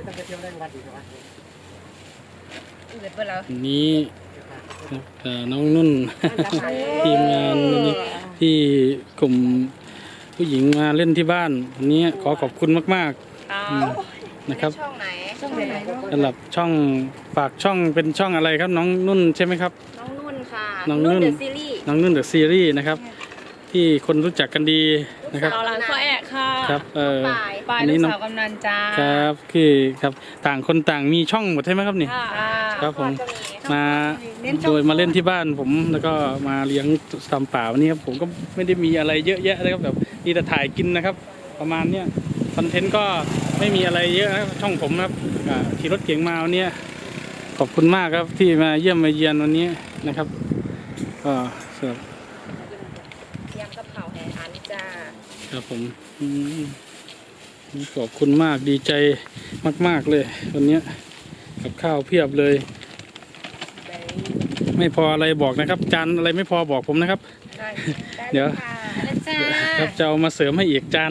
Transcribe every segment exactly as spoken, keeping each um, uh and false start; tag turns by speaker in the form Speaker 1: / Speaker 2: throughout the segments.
Speaker 1: นี้น้องนุ่นทีมงานนี้ที่กลุ่มผู้หญิงมาเล่นที่บ้านวันนี้ขอขอบคุณมากๆนะครับช่องไหนช่องไหนสำหรับช่องฝากช่องเป็นช่องอะไรครับน้องนุ่นใช่ไหมครับ
Speaker 2: น้องนุ่นค่ะ
Speaker 1: น้องนุ่นเดอะซีรีส์น้องนุ่นเดอะซีรีส์นะครับที่คนรู้จักกันดีนะครับ
Speaker 2: สาวหลานพ่อแอะค่ะ
Speaker 1: ครับเออ
Speaker 2: ปลายลูกสาวกำนันจ้า
Speaker 1: ครับคือครับต่างคนต่างมีช่องหมดใช่ไหมครับนี่ครับผมมาโดยมาเล่นที่บ้านผมแล้วก็มาเลี้ยงตามป่าวันนี้ครับผมก็ไม่ได้มีอะไรเยอะแยะเลยครับแบบนี่แต่ถ่ายกินนะครับประมาณเนี้ยคอนเทนต์ก็ไม่มีอะไรเยอะครับช่องผมครับขี่รถเก๋งมาวันนี้ขอบคุณมากครับที่มาเยี่ยมมาเยียนวันนี้นะครับก็สำหรับ
Speaker 2: ยำกะเพราแห่อันจ้า
Speaker 1: ครับผมขอบคุณมากดีใจมากๆเลยวันนี้กับข้าวเพียบเลยไม่พออะไรบอกนะครับจานอะไรไม่พอบอกผมนะครับเดี๋ยวครับจะเอามาเสริมให้อีกจาน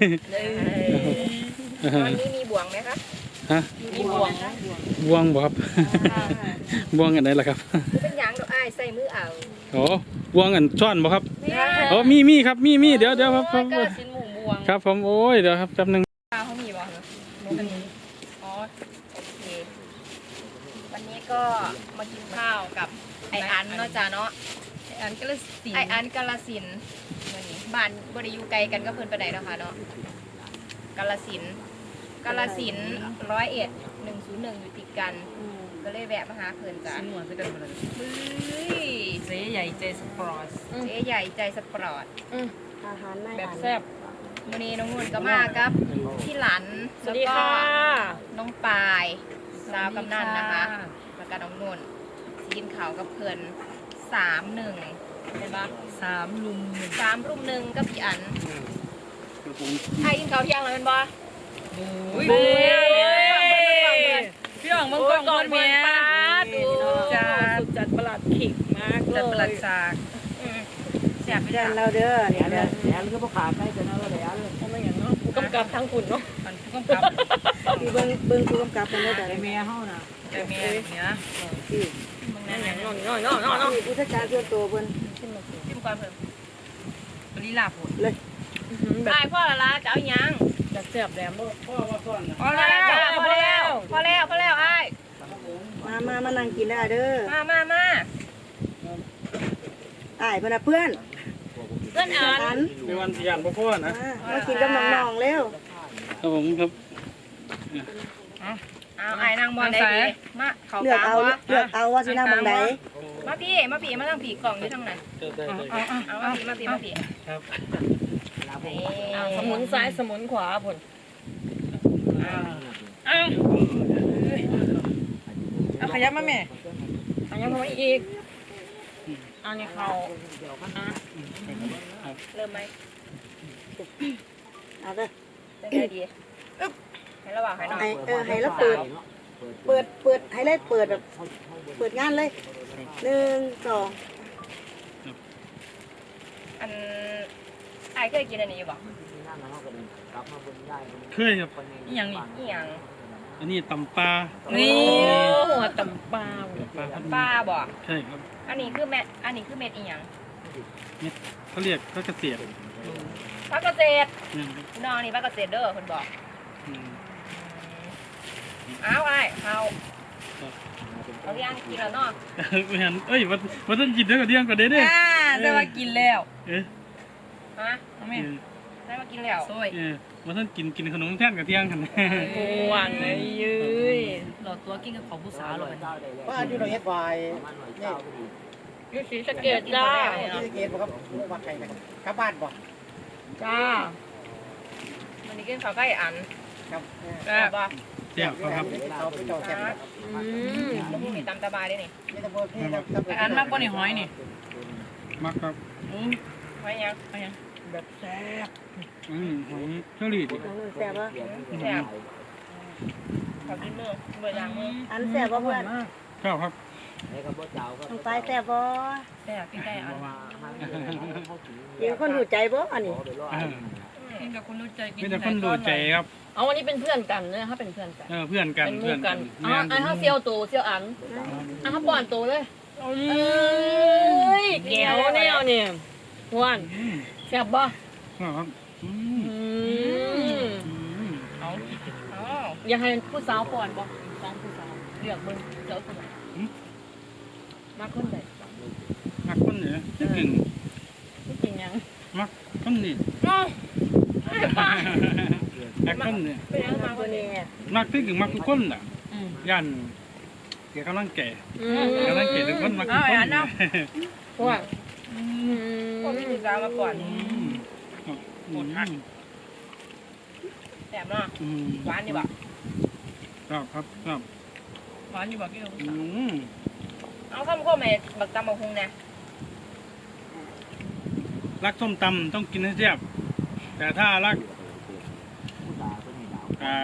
Speaker 2: วันนี้มีบ่วงไหมครับ
Speaker 1: ฮะ
Speaker 2: มีบ่วง
Speaker 1: บ่วงบอกครับบ่วงอันไหนล่ะครับ
Speaker 2: เป็นยางดอกอ้ายใส่มือเอา
Speaker 1: โอ้บ่วงอันช้อนบอกครับโอ้มีมีครับมีมีเดี๋ยวเดี๋ยวครับครับครับผมโอ้ยเดี๋ยวครับแป๊บนึง
Speaker 2: เขามีบ่อ๋อโอเควันนี้ก็มากินข้าวกับไออันเนาะจ้าเนาะไออันกาลสินไออันกาลสินวันนี้บ้านบริยูไกลกันก็เพิ่นไปไหนนะคะเนาะกาลสินกาลสินร้อยเอ็ดหนึ่งศูนย์หนึ่งอยู่ติดกันก็เลยแวะมาหาเพิ่นจ้าหัวจะกันมาเลย
Speaker 3: เจ๊ใหญ่ใจสปอร์ต
Speaker 2: เจ๊ใหญ่ใจสปอร์ต
Speaker 3: อาหารแบบแซ่บ
Speaker 2: วันนี้น้องนุ่นก็มาครับพี่หลันแล้วก็น้องปายสาวกำนันนะคะแล้วก็น้องนุ่นกินข้าวกับเพื่อนสามหนึ่งเห็นปะ
Speaker 3: สามลุม
Speaker 2: สามรุ่มหนึ่งก็พี่อันไอ้กินข้าวเที่ยงแล้วเป็นปะ
Speaker 3: โอ้ยพี่หวังมึงก่อนก่อนเมียดูจัดจัดประหลัดขิกมากจัดประหลัดฉาก
Speaker 2: แซ่บไปเด้อ
Speaker 3: เราเด้อเดี๋ยวเดี๋ยวเดี๋ยวก็พวกขาใกล้จะนั่งแล้วเดี๋ยวทำไมอย่างเนาะผู้กำกับทั้งคุณเนาะผู้กำกับคือเบิ้งเบิ้งผู้กำกับเป็นได้แต่เมียเฮาน่ะแต่เมียเนี้ยที่มึงนั่นอย่างน้อยน้อยน้อยน้อยน้อยผู้จัดการส่วนตัวเบิ้ง
Speaker 2: จิ้มก่อนเพิ่ม
Speaker 3: ปริลาผล
Speaker 2: เลยได้พ่อละละจะเอายัง
Speaker 3: จะเสียบแหลม
Speaker 1: พ่อมาก่อน
Speaker 2: พอแล้วพอแล้วพอแล้วพอแล้วไอ้
Speaker 3: มามามานั่งกินได้เด้อ
Speaker 2: มามามา
Speaker 3: ไอ้เพื่อนเพื่อน
Speaker 2: เพื่อนอ่าน
Speaker 1: เป็นวันที่ยันพ่อพ่อนะ
Speaker 3: มากินกับน้องๆเร็ว
Speaker 1: ครับผมครับ
Speaker 2: เอาไอ้นางบอลได้ดีมาเขา
Speaker 3: เลือกเอาเลือกเอาว่าสินางบอลไหน
Speaker 2: มาพี่มาพี่มาทางผีกล่องอยู่ทางไหนเอาเอามาพี่มาพี่มาพี่
Speaker 1: ครับ
Speaker 3: สมุนซ้ายสมุนขวาผลเอาเอาขยับมาแม่ขยับมาอีกอันนี้เขา
Speaker 2: เริ่มไหม
Speaker 3: เอาเลย
Speaker 2: ได้ดีให้ระหว่างให้น้อง
Speaker 3: เออให้แล้วเปิดเปิดเปิดให้เลยเปิดแบบเปิดงานเลยหนึ่งสอง
Speaker 2: อันไอ้เคยกินอันนี้อยู่บ่
Speaker 1: เคยครับ
Speaker 2: อีหยังนี่อีหยัง
Speaker 1: อันนี้ตำปลา
Speaker 3: นี่หัวตำปลา
Speaker 1: ปลา
Speaker 2: ปลาบ่
Speaker 1: ใช่ครับ
Speaker 2: อันนี้คือเม็ดอันนี้คือเม็ดอีหยัง
Speaker 1: เม็ดเขาเรียกพระเกษตร
Speaker 2: พระเกษตรน้องนี่พระเกษตรเด้อคนบอกอ้าวไอ้เอาเอาที่อันกินแล้วเนาะ
Speaker 1: ไม่เห็นเอ้ยวันวันนั้นกินได้ก็เดี้ยงก็ได้เด้
Speaker 2: อ่าได้มากินแล้ว
Speaker 1: เอ๊ะ
Speaker 2: ฮะไม่ได้มากินแล้ว
Speaker 1: เออวันนั้นกินกินขนมแท่นกับเที่ยงกัน
Speaker 3: โอ้หวานเลยยืย
Speaker 2: หลอดตัวกินกับของผู้สาวหรอ
Speaker 4: ว่าอยู่ในเอสวายนี่
Speaker 3: ยูสีสเกตจ้า
Speaker 4: สเกตบอกครับวัดไทยนะครับกลับบ้านบอก
Speaker 3: จ้า
Speaker 2: วันนี้กินข้าวไก่อัน
Speaker 4: ครับ
Speaker 2: แซ่บป่ะ
Speaker 1: แซ่บครับ
Speaker 4: เขาไปต่อแซ่บ
Speaker 2: อืมแล้วพวกนี้ตำตาบายได้นี่
Speaker 3: อันมากกว่านี่หอยนี่
Speaker 1: มากครับ
Speaker 2: หอยยังหอยยัง
Speaker 3: แบบแซ่บ
Speaker 1: อืมหอยเชอรี่ดิ
Speaker 3: แซ่บป่ะ
Speaker 2: แซ่บขอบคุณมือเบอร์ยางมือ
Speaker 3: อันแซ่บป่ะเพื่อน
Speaker 1: ชอบครับ
Speaker 3: ต้องไปแซ่บป่ะ
Speaker 2: แซ่บพี่ไก่อัน
Speaker 3: ยิงคนหูใจป่ะอันนี้
Speaker 2: กินกับคนรู้ใจกิน
Speaker 1: ไม่แต่คนดูใจครับ
Speaker 3: เอาวันนี้เป็นเพื่อนกันเนี่ยถ้าเป็นเพื่อนกัน
Speaker 1: เออเพื่อนกัน
Speaker 3: เป็นห
Speaker 1: เพื่
Speaker 3: มู่
Speaker 1: อน
Speaker 3: กั
Speaker 1: กัน น
Speaker 3: อ๋อไอ้ข้าเซียวตูเซียวอันอ่ะข้าป้อนตูเลยเอ้ยแก้วแนวเนี่ยหวาน
Speaker 1: อืม
Speaker 3: แซ่บบ่
Speaker 1: ครับอืม
Speaker 3: อืม
Speaker 1: อืม
Speaker 2: เอาเอา
Speaker 3: อยากให้ผู้สาวป้อนบ่สองผู้สาวเลือกเบิ่งเจ้าคนไหนมาคนใด
Speaker 1: มักคนเนี่ยที่หนึ่ง
Speaker 3: ที่จริงยัง
Speaker 1: มักคนนี่
Speaker 3: อ้าว
Speaker 1: มักคนเนี่ย
Speaker 3: เป็นยังมาคนนี้
Speaker 1: มักที่หนึ่งมักทุกคนอ่ะ
Speaker 3: อืม
Speaker 1: ยันเกี่ยวกับร่างแก่
Speaker 3: อืม
Speaker 1: เกี่ยวกับร่างแก่ทุกคนมักทุกคน
Speaker 3: หวาน
Speaker 2: พวกพี่ผู้สาวมาก่อน
Speaker 1: อืมอืม
Speaker 2: แซ่บเนาะ
Speaker 1: อืม
Speaker 2: หวานดีบ่ะ
Speaker 1: ครับครับครับ
Speaker 2: หวานดีบ่ะพี่ลูก
Speaker 1: อืม
Speaker 2: เอาข้าวมันก็แม่บักตำบักฮุงเนี่ย
Speaker 1: รักส้มตำต้องกินให้แซ่บแต่ถ้ารักอ่า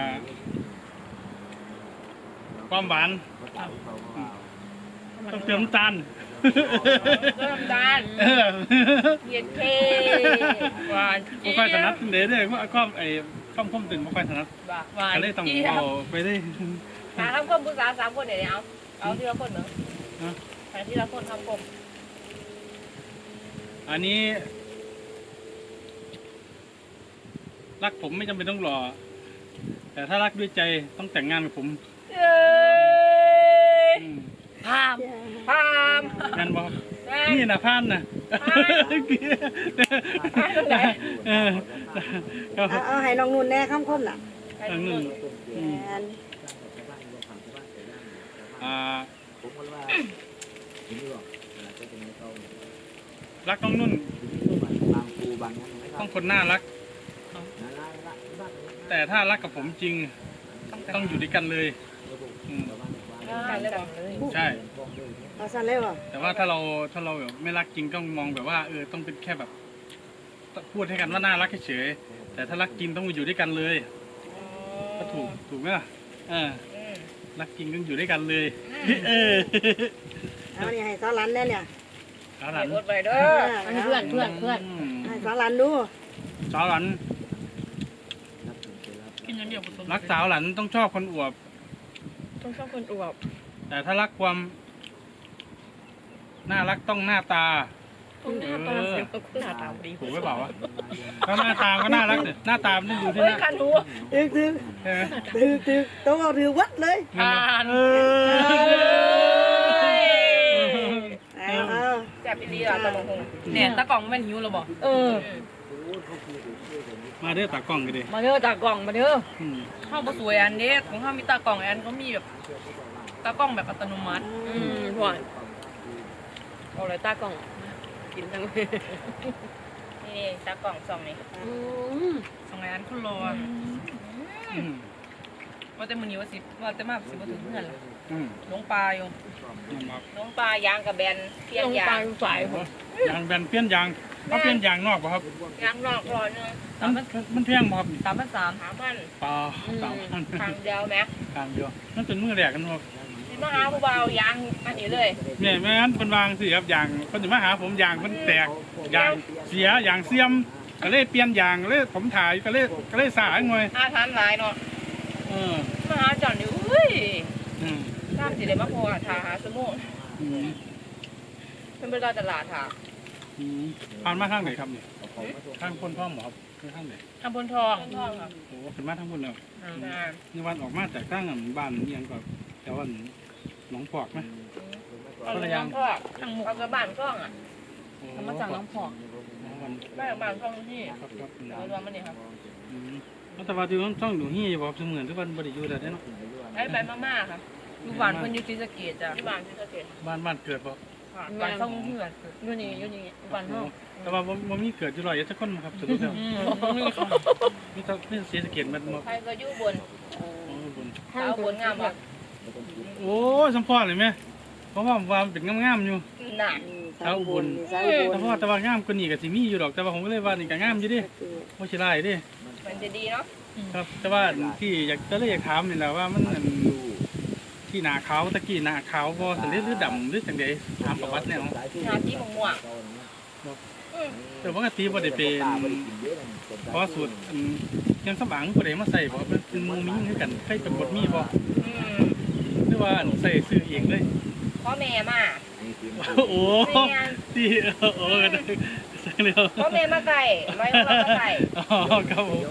Speaker 1: ความหวานต้องเติมน้ำตาล
Speaker 2: เริ่มดาน
Speaker 1: เออ
Speaker 2: เย็นเคหวาน
Speaker 1: ไม่ค่อยถนัดเด้อเด้อว่าความไอ้ความคมตึงไม่ค่อยถนัด
Speaker 2: หวาน
Speaker 1: ก็เลยต้องเอาไปได้
Speaker 2: หาทำคมผู้สาวสามคนเดี๋ยวนี้เอาเอาทีละคนเนาะ
Speaker 1: ฮะ
Speaker 2: หาทีละคนทำคม
Speaker 1: อันนี้ รักผมไม่จำเป็นต้องรอ แต่ถ้ารักด้วยใจต้องแต่งงานกับผม
Speaker 2: เอ้ย
Speaker 1: อืม
Speaker 2: พามพาม
Speaker 1: งานบอกนี่นะพานนะเออก็
Speaker 5: เอาเอาให้น้องนุ่นแน่คำคมน่ะ
Speaker 1: อันนึงอืม
Speaker 5: แม่น
Speaker 1: อ่ารักน้องนุ่นต้องคนน่ารัก แต่ถ้ารักกับผมจริง ต้องอยู่ด้วยกันเลยอืม
Speaker 2: กันเลยบ่
Speaker 1: ใช่
Speaker 5: เอาสั่นเลยบ่
Speaker 1: แต่ว่าถ้าเราถ้าเราแบบไม่รักจริงต้องมองแบบว่าเออต้องเป็นแค่แบบพูดให้กันว่าน่ารักเฉยๆแต่ถ้ารักจริงต้องอยู่ด้วยกันเลยก็ถูกถูกไหมล่ะเออ
Speaker 2: อืม
Speaker 1: รักจริงต้องอยู่ด้วยกันเลยเออ
Speaker 5: เอานี่ให้สาวหลันแน่เนี่ย
Speaker 1: สาวหลัน
Speaker 2: เก็บรถไว้เด้อ
Speaker 3: อันนี้เพื่อนเพื่อนเพื่อน
Speaker 1: ม
Speaker 5: ให้สาวหลันดู
Speaker 1: สาวหลัน
Speaker 2: กินอย่างเดียวผสม
Speaker 1: รักสาวหลันต้องชอบคนอวบ
Speaker 3: ต้องชอบคนอวบ
Speaker 1: แต่ถ้ารักความน่ารักต้องหน้าตา
Speaker 3: ต้องหน้าตาเสียงต้องหน้าตาดี
Speaker 1: ถูกไหมเปล่าวะก็หน้าตาก็น่ารักเนี่ยหน้าตามันต้องดูที่
Speaker 2: เฮ้
Speaker 1: ห
Speaker 2: ย
Speaker 1: น้า
Speaker 2: คันหู
Speaker 5: ตึกตึก
Speaker 1: ใช่ไหม
Speaker 5: ตึกตึกโตเอาถือวัดเลย
Speaker 1: เออ
Speaker 5: เอาเอา
Speaker 2: แซ่บอีหลีอ่ะตำบักฮุง
Speaker 3: เนี่ยตากล่องมันหิวแล้วบ่เออ
Speaker 1: มาเด้อตากล้องกันดิ
Speaker 3: มาเด้อตากล่องมาเด้อ
Speaker 1: อืม
Speaker 6: ข้าวบะสวยอันเด็ดของข้าวมีตากล่องอันเขามีแบบตากล้องแบบอัตโนมัติ
Speaker 3: อืมหวานเอาเลยตากล่องกินทั้ง
Speaker 2: นี่ตากล่องซองนี่
Speaker 3: อืม
Speaker 6: สองอันคุณรอ
Speaker 1: อืม
Speaker 6: ว่าแต่มือนี้ว่าสิว่าแต่มาสิบ่ถึงเพื่อนล่ะ
Speaker 1: อืม
Speaker 6: ลงปลาอยู่
Speaker 1: ครับ
Speaker 2: น้องปลายางกับแบนเพี้ยน
Speaker 3: ลง
Speaker 2: ยา
Speaker 3: ปลาง สายผม
Speaker 1: ยางแบนเปลี่ยนยางเขาเปลี่ยนยางนอกป่ะครับ
Speaker 2: ยางนอกรอเนื้อ
Speaker 1: มันมันเพียงบ่ครับนี่
Speaker 6: สามพันสาม
Speaker 2: หาพัน
Speaker 1: เปล่าสามพัน
Speaker 2: ทางเดียวแม็ก
Speaker 1: กลางเดียวนั่นเป็นมือแรกกันบ่
Speaker 2: สิมาหาผู้เบายางอันนี้เลย
Speaker 1: เนี่ยแม่นเป็นวางสิครับยางเพิ่นสิมาหาผมยางเพิ่นแตกยางเสียยางเสียมก็เลยเปลี่ยนยางก็เลยผมถ่ายก็เลยก็เลยสายงวย
Speaker 2: อาทานหลายเนาะ
Speaker 1: เออ
Speaker 2: มาหาจอนอยู่เฮ้ย
Speaker 1: อืม
Speaker 2: ทราบสิได้มาพอทาหาสมุน
Speaker 1: อืม
Speaker 2: เป็นเวลาตลาดค่ะ
Speaker 1: อืมผ่านมาทางไหนครับนี่ทางคนพ่อหมอครับคือทางไหน
Speaker 6: ทำบนทอง
Speaker 2: ต้นทองค่ะ
Speaker 1: โอ้เป็นมาทางคนแล้ว
Speaker 2: นะ
Speaker 1: นี่วันออกมาจากทางอันบ้านเอียงก็แถวอันหนองปอกไหม
Speaker 2: เอาไปยังพ่อทางหมุกเอากระบานกล้องอ่ะ
Speaker 1: โอ้
Speaker 3: ทำมาจากน้องพอก
Speaker 1: วัน
Speaker 2: บ้านบ้านกล้องที่
Speaker 1: ครับครับ
Speaker 2: เอารวมมันนี่ครับ
Speaker 1: อืมแล้วแต่ว่าที่ต้องต้องดูเฮียอยู่บ่เสมือนทุกวันบ่ได้อยู่แต่เนาะ
Speaker 2: ไอ้ใบมาม่าค่ะ
Speaker 6: อยู่บ้านเพิ่นอยู่ศรีสะเกษจ้ะ
Speaker 2: ที่บ้านที่สะเก็ด
Speaker 1: บ้านบ้านเกิดบ่
Speaker 2: ค่ะ
Speaker 6: บ้านเศร้าเพื่อน
Speaker 3: อยู่นี่อยู่นี่บ้านเฮา
Speaker 1: แต่ว่าบ่บ่มีเกิดอยู่ร้อยเอ็ดสักคนครับสรุปแล้ว
Speaker 6: อืม
Speaker 1: มีแต่มีเสียสะเกตมันบ่
Speaker 2: ใครก็อยู่บน
Speaker 1: โอ้บน
Speaker 2: สาวบนงามอ่ะ
Speaker 1: โอ้ยสัมพอเลยไหมเพราะว่าว่ามันเป็นงามๆอยู่
Speaker 2: หนัก
Speaker 5: อืมสาวอุบลนี่สาวอุบล
Speaker 1: แต่ว่าแต่ว่างามกว่านี้ก็สิมีอยู่ดอกแต่ว่าผมก็เลยว่านี่ก็งามอยู่เดิบ่สิหลายเดิ
Speaker 2: มันจะดีเนาะ
Speaker 1: ครับ แต่ว่าที่อยากก็เลยอยากถามนี่แหละว่ามันอันที่หน้าขาวตะกี้หน้าขาวบ่สำเร็จหรือดำหรือจังไดถามประวัติแนว
Speaker 2: หน้าที่ม่วง
Speaker 1: บอก
Speaker 2: ๆอื
Speaker 1: แต่ปกติบ่ได้เป็นเพราะสูตรอันยังสมบังบ่ได้มาใส่บ่เป็นหมูมิ้งคือกันใครเป็นบดมีบ่
Speaker 2: อืม
Speaker 1: หรือว่าอันใส่ซื้อเองเลย
Speaker 2: พ่อแม่มา
Speaker 1: โอ้ที่โอ้ใส่แล้ว
Speaker 2: พ่อแม่มาไก่ร้อยเรามาไก่
Speaker 1: อ๋อครับผม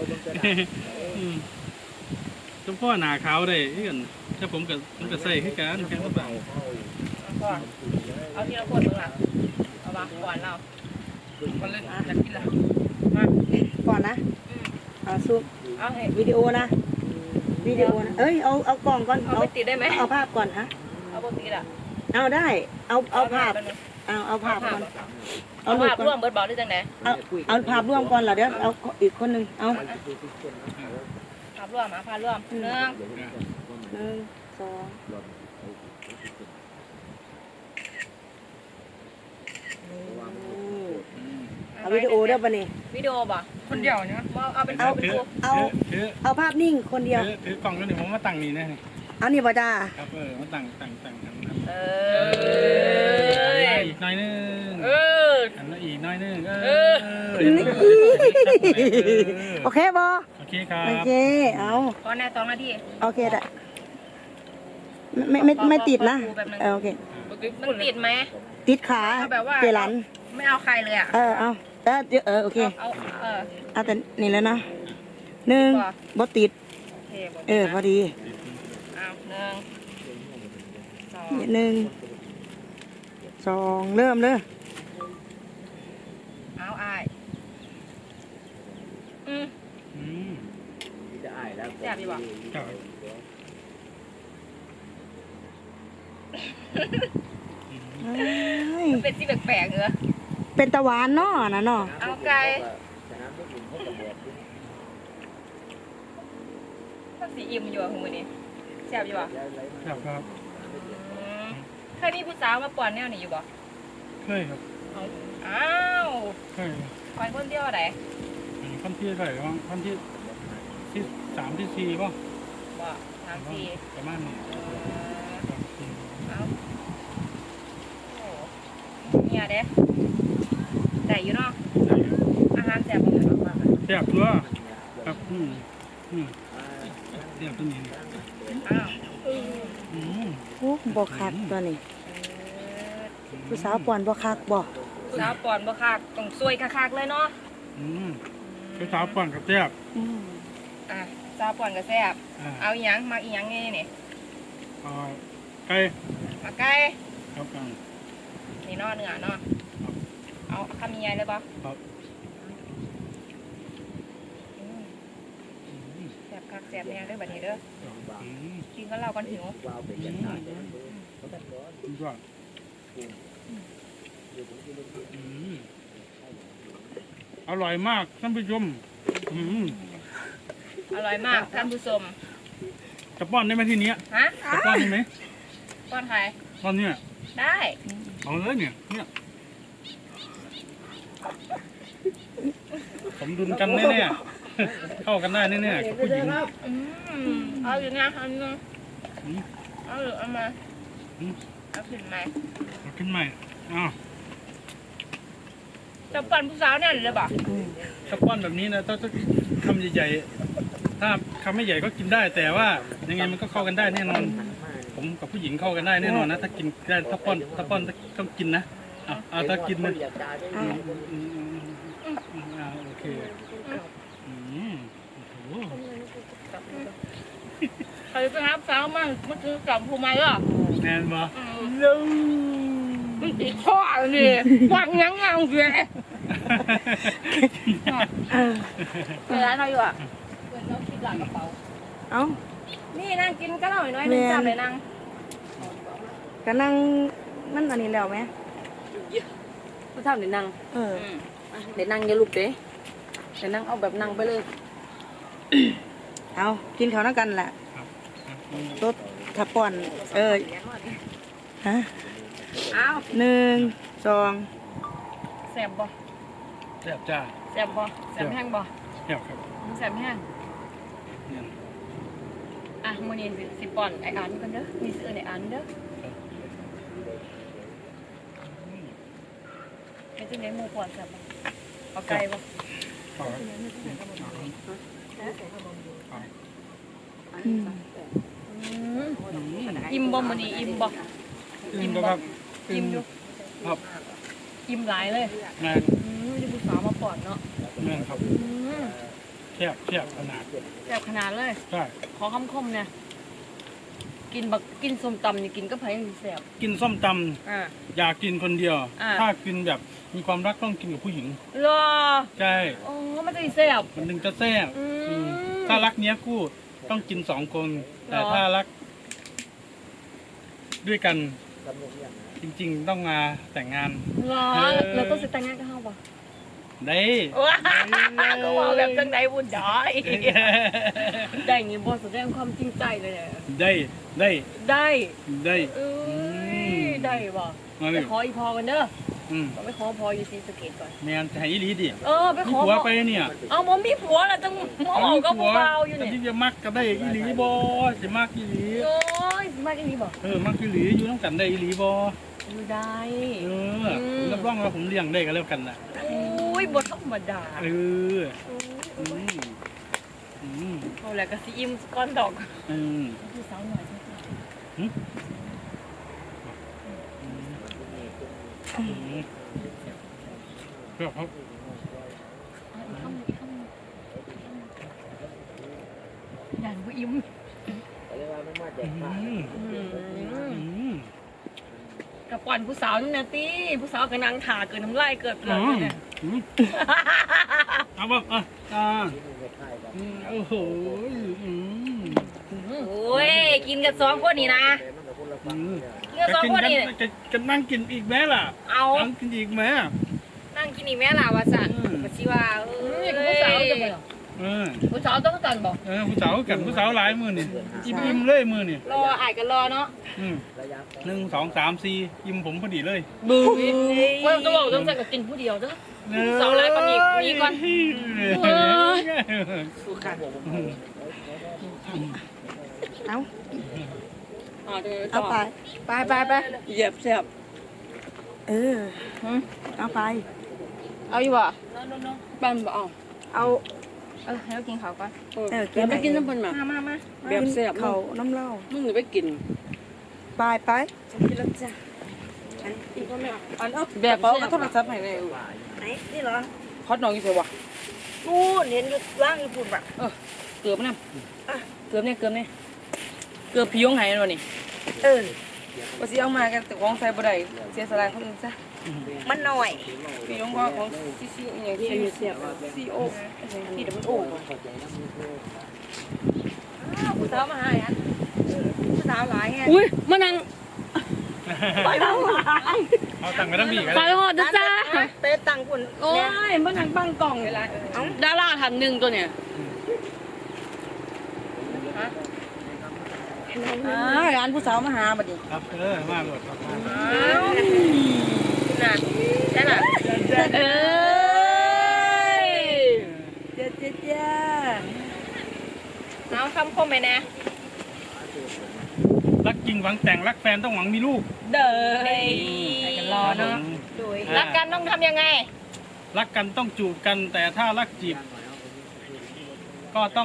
Speaker 1: ทุกพ่อหนาขาวได้คือกันถ้าผมก็ผมก็ใส่คือกันแค่สมบัง
Speaker 2: ก่อนเอาทีละคนมึงล่ะเอาวางก่อนเรา
Speaker 6: มันเล่นอยากกินละ
Speaker 2: มา
Speaker 5: ก่อนนะเอาซุป
Speaker 2: เอาให้
Speaker 5: วิดีโอนะวิดีโอนะเอ้ยเอาเอากล่องก่อน
Speaker 2: เอาไปติดได้ไหม
Speaker 5: เอาภาพก่อนฮะ
Speaker 2: เอาปกติอ่ะ
Speaker 5: เอาได้เอาเอาภาพเอาเอาภาพก่อน
Speaker 2: เอา
Speaker 5: เอารูป
Speaker 2: ภาพ
Speaker 5: ก่
Speaker 2: ร่ว
Speaker 5: อ
Speaker 2: ม
Speaker 5: น
Speaker 2: เบิร์ดบอลได้จังไหน
Speaker 5: เอาเอาภาพร่วมก่อนเหรอเดี๋ยวเอาอีกคนหนึ่งเอา
Speaker 2: ภาพร่วมอ่ะภาพร่วมหนึ่ง
Speaker 5: หนึ่งสองเอาวิดีโอได้ปะนี่
Speaker 2: วิดีโอบ่
Speaker 6: คนเดียวเนี่ย
Speaker 2: เอาเป็น
Speaker 5: เอา
Speaker 2: วิดีโอ
Speaker 5: เอา
Speaker 1: ถือ
Speaker 5: เอาภาพนิ่งคนเดียว
Speaker 1: ถือถือกล่องแล้วเดี๋ยวผมมาตั้งนี่นะ
Speaker 5: เอานี่บ่จ้า
Speaker 1: ครับเออมาตั้งตั้งตั้งกันครับ
Speaker 2: เอ
Speaker 1: อัน
Speaker 2: อ
Speaker 1: ละอีกหน้อยนึง
Speaker 6: เออ
Speaker 1: อันละอีกหน้อยนึงเอ
Speaker 6: เอ
Speaker 1: อ
Speaker 5: โอเคบ่
Speaker 1: โอเคครับ
Speaker 5: โอเคเอา
Speaker 2: พอแน่สองนาที
Speaker 5: โอเคได้ไม่ไม่ไม่ติดนะเออโอเค
Speaker 2: มันติดไหม
Speaker 5: ติดขา
Speaker 2: เอาแบบว่า
Speaker 5: เจรัน
Speaker 2: ไม่เอาใครเลยอ่ะ
Speaker 5: เออเอาเออเดี๋ยวเออโอเค
Speaker 2: เอาเออ
Speaker 5: เอาแต่นี่แล้วนะหนึ่ง
Speaker 2: ติดบ่
Speaker 5: บ่ติด
Speaker 2: โอเค
Speaker 5: เออพอดี
Speaker 2: เอาหนึ่งสอง
Speaker 5: หนึ่งสองเริ่มเลย
Speaker 2: เอาอายอืม
Speaker 1: อืม
Speaker 2: แซ่บดีบ่
Speaker 1: ครับ
Speaker 5: เอ้ย
Speaker 2: เป็นที่แปลกๆเหรอ
Speaker 5: เป็นตะหวานเนาะนะเนาะ
Speaker 2: เอาไก่ถ้าสีอิ่มอยู่อะคุณมือนี้แซ่บอยู่บ่
Speaker 1: ครับครับ
Speaker 2: อืมเคยมีผู้สาวมาป่วนแนวนี้อยู่บ่
Speaker 1: เคยครับ
Speaker 2: เอาอ้าว
Speaker 1: เคย
Speaker 2: คอยคนเดียวไหน
Speaker 1: ขั้นที่เท่าไหร่บ้างขั้นที่ที่สามที่สี่ป่ะ
Speaker 2: บ่สามสี่
Speaker 1: ประมาณนี้
Speaker 2: เออ
Speaker 1: ครับอืม
Speaker 2: เอาโอ้เนี่ยเด้ได้อยู่เนาะ
Speaker 1: ได้ครับ
Speaker 2: อาหารแซ่บบ่
Speaker 1: แซ่บตัวครับอืมอืมแซ่บตัวนี้
Speaker 2: อ้าว
Speaker 1: อืม
Speaker 5: โอ้บ่คักตัวนี้
Speaker 2: เออ
Speaker 5: ผู้สาวป่วนบ่คักบ่
Speaker 2: สาวป่อนบ่คักต้องซวยคักๆเลยเนาะ
Speaker 1: อืมไปสาวป่อนกับแซ่บ
Speaker 5: อืม
Speaker 2: อ่ะสาวป่อนก็แซ่บ
Speaker 1: อ่า
Speaker 2: เอาอีหยังมาอีหยังไงนี่
Speaker 1: เอาไก่
Speaker 2: มาไก่
Speaker 1: ครับอ่า
Speaker 2: นี่เนาะเนื้อเนาะเอาคำใหญ่เลยบ่
Speaker 1: ครับ
Speaker 2: อืมแซ่บคักแซ่บแน่เด้อบัดนี้เด้อ
Speaker 1: อืม
Speaker 2: กินกับเราก่อนหิว
Speaker 1: สุดยอดอืมอร่อยมากท่านผู้ชมอืม
Speaker 2: อร่อยมากท่านผู้ชม
Speaker 1: จะป้อนได้ไหมทีเนี้ย
Speaker 2: ฮะ
Speaker 1: จะป้อนได้ไหม
Speaker 2: ป้อนใคร
Speaker 1: ตอนเนี้ย
Speaker 2: ได้
Speaker 1: เอาเลยเนี่ยเนี่ยผมดุลกันแน่ๆเข้ากันได้แน่ๆกับผู้หญิง
Speaker 2: อืมเอาอยู่นะเอาอยู่นะ
Speaker 1: อืม
Speaker 2: เอาอยู่เอามา
Speaker 1: อืม
Speaker 2: เอาขึ้นมา
Speaker 1: เอาขึ้นใหม่อ้าว
Speaker 2: จะปั่นผู้สาวเนี่ยเลยบ่
Speaker 5: อืม
Speaker 1: ถ้าป้อนแบบนี้นะต้องต้องคำใหญ่ๆถ้าคำไม่ใหญ่ก็กินได้ แต่ว่ายังไงมันก็เข้ากันได้แน่นอน ผมกับผู้หญิงเข้ากันได้แน่นอนนะ ถ้ากินได้ถ้าป้อนถ้าป้อนต้องกินนะเอาเอาถ้ากินนะ
Speaker 5: อ่ะ
Speaker 1: อืมอืมอืมอืมอืมอ่าโอเคอืมโอ้โห
Speaker 2: ใครไปหาสาวมั่งมาซื้อกับผู้ใหม่เหรอ
Speaker 1: แน่นบ่
Speaker 2: ลุงมันติดข้อนี่ฟังยังงังเสีย
Speaker 5: เออ
Speaker 2: เวลาเราอยู่อ่ะเปิดเราคิดหลังกระเป๋า
Speaker 5: เอา
Speaker 2: นี่นั่งกินก็หน่อยน้อยนึงจับเลยนั่ง
Speaker 5: ก็นั่งมันอันนี้แล้วไหม
Speaker 3: ผู้ทำเดี๋ยวนั่ง
Speaker 5: เออ
Speaker 3: เดี๋ยวนั่งอย่าลุกเด้เดี๋ยวนั่งเอาแบบนั่งไปเลย
Speaker 5: เอากินข้าวนั่งกันแหละ
Speaker 1: ครับ
Speaker 5: รถถ้าป่อนเออฮะ
Speaker 2: อ้าว
Speaker 5: หนึ่งสอง
Speaker 2: แสบบ่
Speaker 1: แซ่บจ้า
Speaker 2: แสบบ่แสบแห้งบ่
Speaker 1: แซ่บครับ
Speaker 2: แสบแห้ง
Speaker 1: เนี่ย
Speaker 2: อ่ะมื้อนี้สิสิป้อนไอ้อันกันเด้อมีซื้อไอ้อันเด้อเป็นจังได๋หมู่ป้อนแซ่บบ่
Speaker 6: เอาไก่ปะอิ่มบ่มื้อนี้อิ่มบ่
Speaker 1: อิ่มบ่ครับ
Speaker 6: อิ่มอยู่
Speaker 1: ครับ
Speaker 6: อิ่มหลายเลย
Speaker 1: แม่น
Speaker 6: อืมที่ผู้สาวมาปอดเนาะ
Speaker 1: แม่นครับ
Speaker 6: อืม
Speaker 1: แซ่บแซ่บขนาด
Speaker 6: แซ่บขนาดเลย
Speaker 1: ใช่
Speaker 6: ขอคำคมเนี่ยกินบักกินส้มตำนี่กินก็ไผยังสิแซ่บ
Speaker 1: กินส้มต
Speaker 6: อ่า
Speaker 1: ำอยากกินคนเดียว
Speaker 6: อ่า
Speaker 1: ถ้ากินแบบมีความรักต้องกินกับผู้หญิง
Speaker 6: รอ
Speaker 1: ใช่
Speaker 6: โอ้มันจะสิแซ่บ
Speaker 1: มันถึงจะแซ่บ
Speaker 6: อืม
Speaker 1: อืมถ้ารักเนี้ยคู่ต้องกินสองคน แต่
Speaker 6: หรอ
Speaker 1: ถ้ารัก ด้วยกัน จริง ๆ ต้องมาแต่งงาน
Speaker 6: รอ
Speaker 1: เออ
Speaker 6: เราต้องสิแต่งงานกับเฮาบ่
Speaker 1: ได้
Speaker 6: ว้าก็ว่าแบบจังไดวุ่นดอยได้อย่างงี้บ่แสดงความจริงใจเลยเนี่ย
Speaker 1: ได้ได้
Speaker 6: ได้
Speaker 1: ได้
Speaker 6: เอ้
Speaker 1: อื
Speaker 6: ย
Speaker 1: ม
Speaker 6: ได้บ่
Speaker 1: มา
Speaker 6: ไป
Speaker 1: เลย
Speaker 6: ขออีพอกันเด้อ
Speaker 1: อืม
Speaker 6: ไปขอพออยู่ศรีสะเกษก่อน
Speaker 1: แมนจะให้อีหลีดิ
Speaker 6: เออไป
Speaker 1: มี
Speaker 6: ขอ
Speaker 1: ผัว
Speaker 6: พอ
Speaker 1: ไปเนี่ย
Speaker 6: เอาบ่มีผัวแล้วจังมาเอากับผู้บ่าวอยู่
Speaker 1: แต่
Speaker 6: เนี่ย
Speaker 1: ที่จะมักก็ได้อีหลีบ่จะมักอีหลี
Speaker 6: โอ้ยสิมาจังนี้บ่
Speaker 1: เออมักอีหลีอยู่น้ำกันได้อีหลีบ่
Speaker 6: อยู่ได้
Speaker 1: เออผมรับรองว่าผมเลี้ยงได้ก็แล้วกันน่ะ
Speaker 6: โอ้ยบ่ธรรมดา
Speaker 1: เอออืมอืม
Speaker 6: เอาแล้วก็สิอิ่มก่อนดอก
Speaker 1: อืม
Speaker 6: ผู้สาวหน่อยใช่ไหม
Speaker 1: อืมอืมครับครับ
Speaker 6: เอาอีกคำอีกคำอย่างบ่อิ่ม
Speaker 1: อืม
Speaker 6: อืม
Speaker 1: อืม
Speaker 6: กับก่อนผู้สาวนี่นะตีผู้สาวกับนางถาเกิดน้ำลายเกิดเปลือกเลยเนี่ย
Speaker 1: อืมเอาแบบอ่ะอ่าอืมโอ้โหอืม
Speaker 2: โอ้ยกินกันสองคนนี่นะ
Speaker 1: อืม
Speaker 2: กินกันสองคนนี่
Speaker 1: จะจะนั่งกินอีกไหมล่ะ
Speaker 2: เอา
Speaker 1: นั่งกินอีกไหม
Speaker 2: นั่งกินอีกแม่ล่ะวะสัน
Speaker 1: อืม
Speaker 2: ก็สิว่าเอ
Speaker 6: นี่
Speaker 2: อ
Speaker 6: ผู้สาวจะไปเหรอ
Speaker 1: เออ
Speaker 6: ผู้สาวต้องกันบอก
Speaker 1: เออผู้สาวกันผู้สาวหลายมือนี่อิ่มอิ่มเลยมือนี่
Speaker 2: รออายกันรอเนาะ
Speaker 1: อืมหนึ่งสองสามสี่อิ่มผมพอดีเลย
Speaker 6: บูว่าจะบอกต้องใส่กับกินผู้เดียวเด้อ สาวหลายกว่านี้มีก่อน
Speaker 1: เออ
Speaker 5: เอา
Speaker 6: อ่าเดี๋ยว
Speaker 5: เอาไป
Speaker 2: ไปไปไป
Speaker 6: เหยียบแซ่บ
Speaker 5: เออเอาไป
Speaker 2: เอาอยู่บ่
Speaker 6: บ้านบ่เอา
Speaker 5: เอา
Speaker 2: เออให้เรากินเขาวก่อน
Speaker 5: เออ
Speaker 6: แล้วไปกินน้ำพันมา
Speaker 2: มามามา
Speaker 6: แบบแซ่บ
Speaker 5: เขาน้ำเหล้า
Speaker 6: มึงจะไปกิน
Speaker 5: ไปไป
Speaker 6: กินแล้วจ้ะ
Speaker 5: อันอีกคนนึง
Speaker 6: อันเอาแบบแซ่บโทรศัพท์ให้เลย
Speaker 5: ไหนนี่เหรอ
Speaker 6: ฮอตน้องอยู่ไสวะ
Speaker 5: นู่นเห็นอยู่ล่างอยู่ปุ่นแบบ
Speaker 6: เออเกือบนะเกือบเนี่ยเกือบเนี่ยเกือบพี่ยงหายแล้วนี่
Speaker 5: เออ
Speaker 6: ว่าสิเอามากันแต่ของใส่บ่ได้เสียสละคนอื่นซะ
Speaker 5: มันหน่อย
Speaker 6: พี่ยงว่าของซีซีอหย่างที่เสียซีโอที่เดี๋ยวมันโอ้ผู้สาวมาหาอัน
Speaker 5: ผู้สาวหลายไง
Speaker 6: อุ้ยมานั่ง
Speaker 5: ไปแล้ว
Speaker 1: เอาตังค์ไปทั้งบีกัน
Speaker 6: ไปหอดนะจ้า
Speaker 5: เตะตังปุ่น
Speaker 6: โอ้ยมานั่งบังกล่องเลยล่ะดาราท่านหนึ่งตัวเนี่ยอ่าร้านผู้สาวมาหาบัดนี้
Speaker 1: ครับเออมากเลยครับ
Speaker 2: น่ะใช่น่ะ
Speaker 6: เอ้ย
Speaker 5: เจ้าเจ้าเจ้า
Speaker 2: เอาคำคมไปแน่
Speaker 1: รักจริงหวังแต่งรักแฟนต้องหวังมีลูก
Speaker 6: เด้อ
Speaker 2: ให้กันรอเนาะ
Speaker 5: โดย
Speaker 2: รักกันต้องทำยังไง
Speaker 1: รักกันต้องจูบกัน แต่ถ้ารักจีบ ก็ต้อง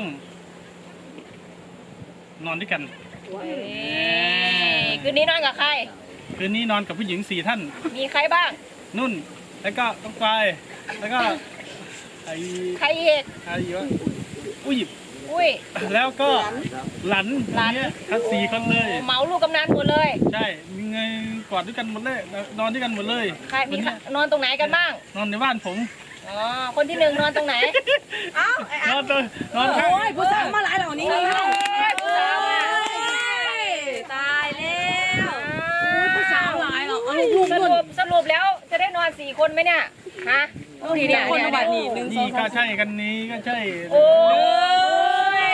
Speaker 1: นอนด้วยกัน
Speaker 2: เฮ้ยคืนนี้นอนกับใคร
Speaker 1: คืนนี้นอนกับผู้หญิงสี่ท่าน
Speaker 2: มีใครบ้าง
Speaker 1: นุ่น แล้วก็ต้องไปแล้วก็ไอ้
Speaker 2: ใครอีก
Speaker 1: ไอ้วะอุ้ย
Speaker 2: อุ้ย
Speaker 1: แล้วก็หลัน
Speaker 2: หลาน
Speaker 1: เนี้ยทั้งสี่คนเลย
Speaker 2: เหมาลูกกำนันหมดเลย
Speaker 1: ใช่มีไงกอดด้วยกันหมดเลยนอนด้วยกันหมดเลย
Speaker 2: ใครมีใครนอนตรงไหนกันบ้าง
Speaker 1: นอนในบ้านผม
Speaker 2: อ๋อ คนที่หนึ่งนอนตรงไหน
Speaker 5: เอ้าไอ้
Speaker 1: นอนตัวนอนข้าง
Speaker 6: โอ้ยผู้สาวมาหลายเหล่านี้
Speaker 2: เฮ้
Speaker 6: นี่
Speaker 2: ยผู้สาวอ่ะตายแล้ว
Speaker 6: ผู้สาวหลายเหรอเอาลูก
Speaker 2: ส
Speaker 6: นุ่น
Speaker 2: รุปสรุปแล้วจะได้นอนสี่คนไหมเนี่ย ฮะดูดิเนี่ย
Speaker 6: คน
Speaker 2: เนี่ย
Speaker 6: ละบัด
Speaker 2: เนี่ย
Speaker 6: นี่หนึ่งสอ
Speaker 1: นี่
Speaker 6: ง
Speaker 1: ก็
Speaker 6: สาม
Speaker 1: ใช่กันนี้ก็ใช่
Speaker 2: โอ้ย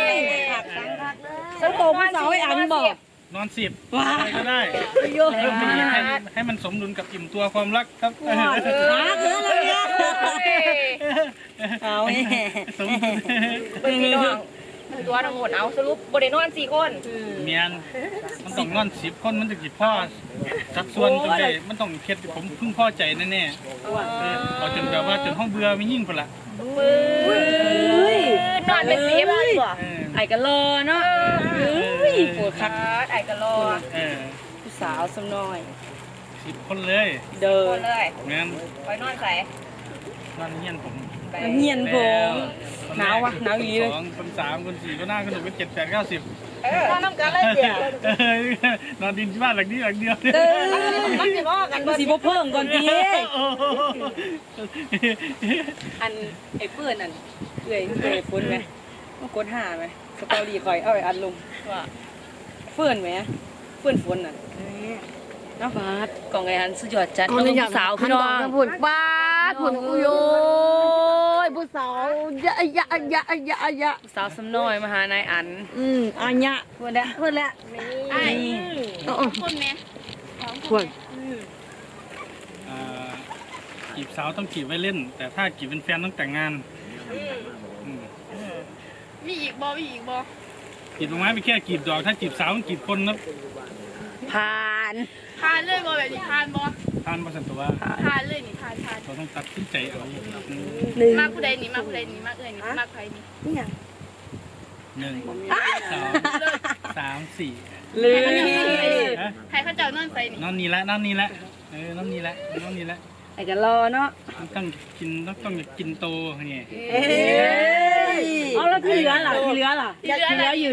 Speaker 6: สรุปผู้สาวไอ้อันบอก
Speaker 1: นอนสิบ
Speaker 6: ว้า
Speaker 1: อะไรก็ได้
Speaker 6: เยอะ
Speaker 1: เพิ่มไปอีกให้ให้มันสมดุลกับอิ่มตัวความรักครับ
Speaker 6: หาเกินเลยเนี่ยเอา
Speaker 1: สมดุล
Speaker 2: เป็นพี่น้องตัวทั้งหมดเอาสรุปบริโนอนสี่คน
Speaker 1: เมียนมันต้องนอนสิบคนมันจะกี่พ่อสัดส่วนตรงไหนมันต้องเพ็ดผมเพิ่งพอใจแน่ๆเออเอาจนแบบว่าจนห้องเบื่อไม่ยิ่งคนละ
Speaker 2: นอนเป็นสิบ
Speaker 1: เออ
Speaker 6: ไอ้กันรอเนาะ
Speaker 2: ปวดขาไอ้กะโล
Speaker 1: เออ
Speaker 6: ผู้สาวสำน้อย
Speaker 1: สิบคนเลย
Speaker 6: เดิ
Speaker 2: คน นเลย
Speaker 1: เงี้ย
Speaker 2: คอยนอนใส่
Speaker 1: นอนเงี้ยนผม
Speaker 6: เงียนผมหนาววะหนาวอี
Speaker 1: เล
Speaker 6: เลย ย
Speaker 1: สองคนสามคนสี่คนห้าคนหกคนเจ็ดแปดเก้าสิบ
Speaker 2: เออนอนน้ำกันเลยเดียวน
Speaker 1: อนดินที่บ้านหลังนี้หลังเดียว
Speaker 2: มันสิบอกกัน
Speaker 6: มันสิบ่เพิ่มก่อนพี่
Speaker 1: โอ้โห
Speaker 6: อันไอ้เพื่อนอันเอื่อยเอื่อยฝนไหมมากดหาไหมสตอรี่คอยเอาไอ้อันลงว่าเพื่อนไหมเพื่อนฝนน่ะน้าฟาดกล่องไอ้อันสุดยอดจัดน้องสาวพี่น้อง
Speaker 3: ผุนบ้าผุนอุยยผู้สาวยะยะยะยะยะ
Speaker 6: สาวสำน้อยมาหานายอัน
Speaker 3: อืมอันยะเพื่อนละเพื่อนละ
Speaker 2: ไอ้คนแม่
Speaker 3: เพื่อน
Speaker 1: อ่าจีบสาวต้องจีบไว้เล่น แต่ถ้าจีบเป็นแฟนต้องแต่งงานอืม
Speaker 2: มีอีกบอมีอีกบอ
Speaker 1: จีบดอกไม้ไปแค่จีบดอกถ้าจีบสาวต้องจีบคนนะ
Speaker 3: ผ่าน
Speaker 2: ทานเลยบอแบบนี้ทานบอ
Speaker 1: ทานประสันตัว
Speaker 2: ทานเลยนี่ทานทาน
Speaker 1: เราต้องตัดสินใจเอาอืม
Speaker 3: หนึ่ง
Speaker 2: มากผู้ใดนี่มากผู้ใดนี่มากเอ้ยนี่มากใครนี่
Speaker 3: นี่ไง
Speaker 1: หนึ่งสองสามสี่
Speaker 6: เลย
Speaker 1: ฮะ
Speaker 2: ใครเขาเจ้านอนใส่นี่
Speaker 1: นอนนี่ละนอนนี่ละเออนอนนี่ละนอนนี่ละ
Speaker 6: ไอ้กันรอเนาะ
Speaker 1: ต้องกินต้องต้องกินโตไง
Speaker 3: เอ้ย
Speaker 6: เอาแล้วที่เหลือล่ะที่เหลือล่ะที่เหลืออยู่